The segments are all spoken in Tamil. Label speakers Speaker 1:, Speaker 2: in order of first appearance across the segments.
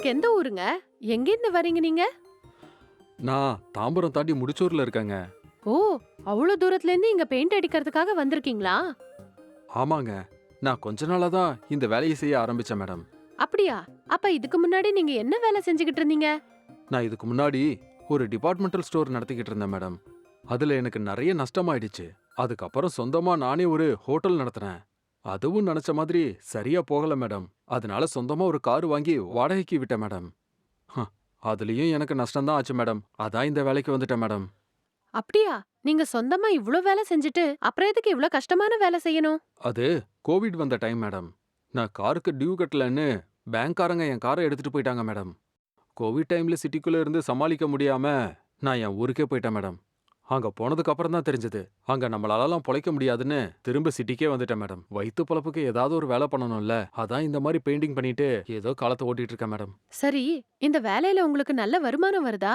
Speaker 1: உங்களுக்கு எந்த ஊருங்க? எங்கேருந்து வரீங்க நீங்க?
Speaker 2: நான் தாம்பரம் தாண்டி முடிச்சூர்ல இருக்கேங்க.
Speaker 1: ஓ, அவ்வளவு தூரத்துல இருந்து இங்க பெயிண்ட் அடிக்கிறதுக்காக வந்திருக்கீங்களா?
Speaker 2: ஆமாங்க. நான் கொஞ்ச நாளா தான் இந்த வேலையை செய்ய ஆரம்பிச்சேன் மேடம்.
Speaker 1: அப்படியா? அப்ப இதுக்கு முன்னாடி நீங்க என்ன வேலை செஞ்சுகிட்டு இருந்தீங்க?
Speaker 2: நான் இதுக்கு முன்னாடி ஒரு டிபார்ட்மெண்டல் ஸ்டோர் நடத்திக்கிட்டு இருந்தேன் மேடம். அதுல எனக்கு நிறைய நஷ்டமாயிடுச்சு. அதுக்கப்புறம் சொந்தமா நானே ஒரு ஹோட்டல் நடத்தினேன். அதுவும் நினைச்ச மாதிரி சரியா போகல மேடம். அதனால சொந்தமா ஒரு கார் வாங்கி வாடகைக்கு விட்டேன் மேடம். ஹ, அதுலயும் எனக்கு நஷ்டம் தான் ஆச்சு மேடம். அதான் இந்த வேலைக்கு வந்துட்டேன் மேடம்.
Speaker 1: அப்படியா? நீங்க சொந்தமா இவ்ளோ வேலை செஞ்சுட்டு அப்புறம் எதுக்கு இவ்ளோ கஷ்டமான வேலை செய்யணும்?
Speaker 2: அது கோவிட் வந்த டைம் மேடம். நான் காருக்கு டியூ கட்டலன்னு பேங்க்காரங்க என் காரை எடுத்துட்டு போயிட்டாங்க மேடம். கோவிட் டைம்ல சிட்டிக்குள்ள இருந்து சமாளிக்க முடியாம நான் என் ஊருக்கே போயிட்டேன் மேடம். அங்க போனதுக்கு அப்புறம் தான் தெரிஞ்சது, அங்க நம்மளாலலாம் பொழைக்க முடியாதுன்னு திரும்ப சிட்டிக்கே வந்துட்டேன் மேடம். வயித்து பொழப்புக்கு ஏதாவது ஒரு வேலை பண்ணணும்ல, அதான் இந்த மாதிரி பெயிண்டிங் பண்ணிட்டு ஏதோ காலத்தை ஓட்டிட்டு இருக்கேன் மேடம்.
Speaker 1: சரி, இந்த வேலையில உங்களுக்கு நல்ல வருமானம் வருதா?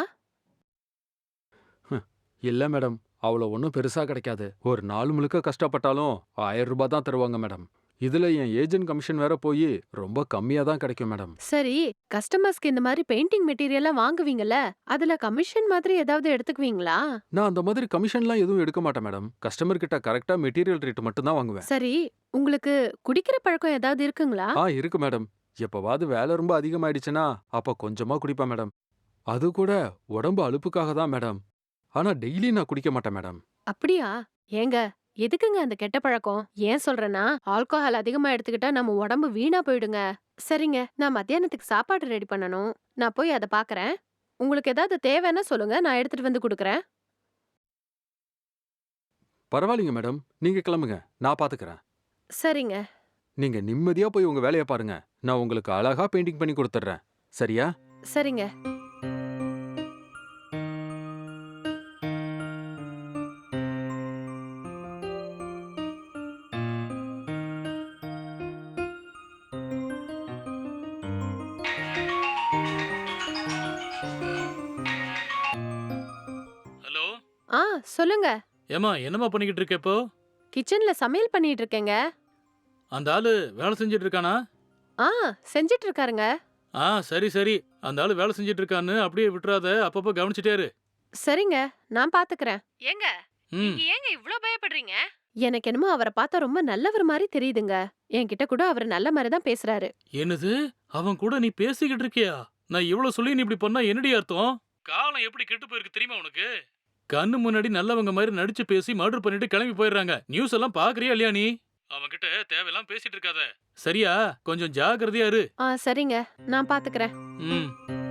Speaker 2: இல்ல மேடம், அவ்வளோ ஒன்றும் பெருசா கிடைக்காது. ஒரு நாள் முழுக்க கஷ்டப்பட்டாலும் 1000 ரூபாய் தான் தருவாங்க மேடம். இதுல என் ஏஜென்ட் கமிஷன் வேற போய் ரொம்ப கம்மியா தான் கிடைக்கும் மேடம்.
Speaker 1: சரி, கஸ்டமர்ஸ்க்கு இந்த மாதிரி பெயிண்டிங் மெட்டீரியல்லாம் வாங்குவீங்கல்ல, அதுல கமிஷன் மாதிரி ஏதாவது எடுத்துக்குவீங்களா?
Speaker 2: நான் அந்த மாதிரி கமிஷன்லாம் எதுவும் எடுக்க மாட்டேன் மேடம். கஸ்டமர் கிட்ட கரெக்டா மெட்டீரியல் ரேட் மட்டும் தான் வாங்குவேன்.
Speaker 1: சரி, உங்களுக்கு குடிக்கிற பழக்கம் ஏதாவது இருக்குங்களா?
Speaker 2: இருக்கு மேடம். எப்பவாவது வேலை ரொம்ப அதிகமாயிடுச்சுன்னா அப்ப கொஞ்சமா குடிப்பேன் மேடம். அது கூட உடம்பு அலுப்புக்காக தான் மேடம். ஆனா டெய்லி நான் குடிக்க மாட்டேன் மேடம்.
Speaker 1: அப்படியா? ஏங்க, எதுக்குங்க அந்த கெட்ட பழக்கம்? ஏன் சொல்றேன்னா, ஆல்கஹால் அதிகமா எடுத்துக்கிட்டா நம்ம உடம்பு வீணா போயிடுங்க. சரிங்க, நான் மத்தியானத்துக்கு சாப்பாடு ரெடி பண்ணணும். நான் போய் அத பாக்குறேன். உங்களுக்கு ஏதாவது தேவைன்னா சொல்லுங்க, நான் எடுத்துட்டு வந்து குடுக்குறேன்.
Speaker 2: பரவாயில்லைங்க மேடம். நீங்க கிளம்புங்க. நான் பாத்துக்கறேன்.
Speaker 1: சரிங்க,
Speaker 2: நீங்க நிம்மதியா போய் உங்க வேலைய பாருங்க. நான் உங்களுக்கு அழகா பெயிண்டிங் பண்ணி கொடுத்துட்றேன். சரியா?
Speaker 1: சரிங்க.
Speaker 3: ஹலோ.
Speaker 1: ஆ, சொல்லுங்க.
Speaker 3: ஏம்மா என்னம்மா பண்ணிக்கிட்டு இருக்க இப்போ?
Speaker 1: கிச்சன்ல சமையல் பண்ணிட்டு இருக்கேங்க.
Speaker 3: அந்த ஆளு வேலை செஞ்சுட்டு இருக்கானா?
Speaker 1: ஆ, செஞ்சுட்டு இருக்காருங்க.
Speaker 3: சரி சரி. அந்த ஆளு வேலை செஞ்சுட்டு இருக்கான்னு அப்படியே விட்டுறாத, அப்பப்போ கவனிச்சுட்டே இரு.
Speaker 1: சரிங்க, நான் பாத்துக்கறேன். ஏங்க,
Speaker 3: ம்.
Speaker 1: நீங்க ஏங்க இவ்ளோ பயப்படுறீங்க? எனக்கு என்னமோ அவர பார்த்தா ரொம்ப நல்லவர் மாரி தெரியுதுங்க. என்கிட்ட கூட அவரு நல்ல மாரி தான் பேசுறாரு.
Speaker 3: என்னது? அவன் கூட நீ பேசிக்கிட்டு இருக்கியா? நான் இவ்வளவு சொல்லி நீ இப்படி பண்ணா என்னடி அர்த்தம்? காலம் எப்படி கெட்டு போயிருக்கு தெரியுமா உனக்கு? கண்ணு முன்னாடி நல்லவங்க மாதிரி நடிச்சு பேசி மர்டர் பண்ணிட்டு கிளம்பி போயிடுறாங்க. நியூஸ் எல்லாம் பாக்குறியா இல்லையா நீ? அவன்கிட்ட தேவையெல்லாம் பேசிட்டு இருக்காத. சரியா? கொஞ்சம் ஜாக்கிரதையா இரு.
Speaker 1: சரிங்க, நான் பாத்துக்கறேன்.
Speaker 3: ம்.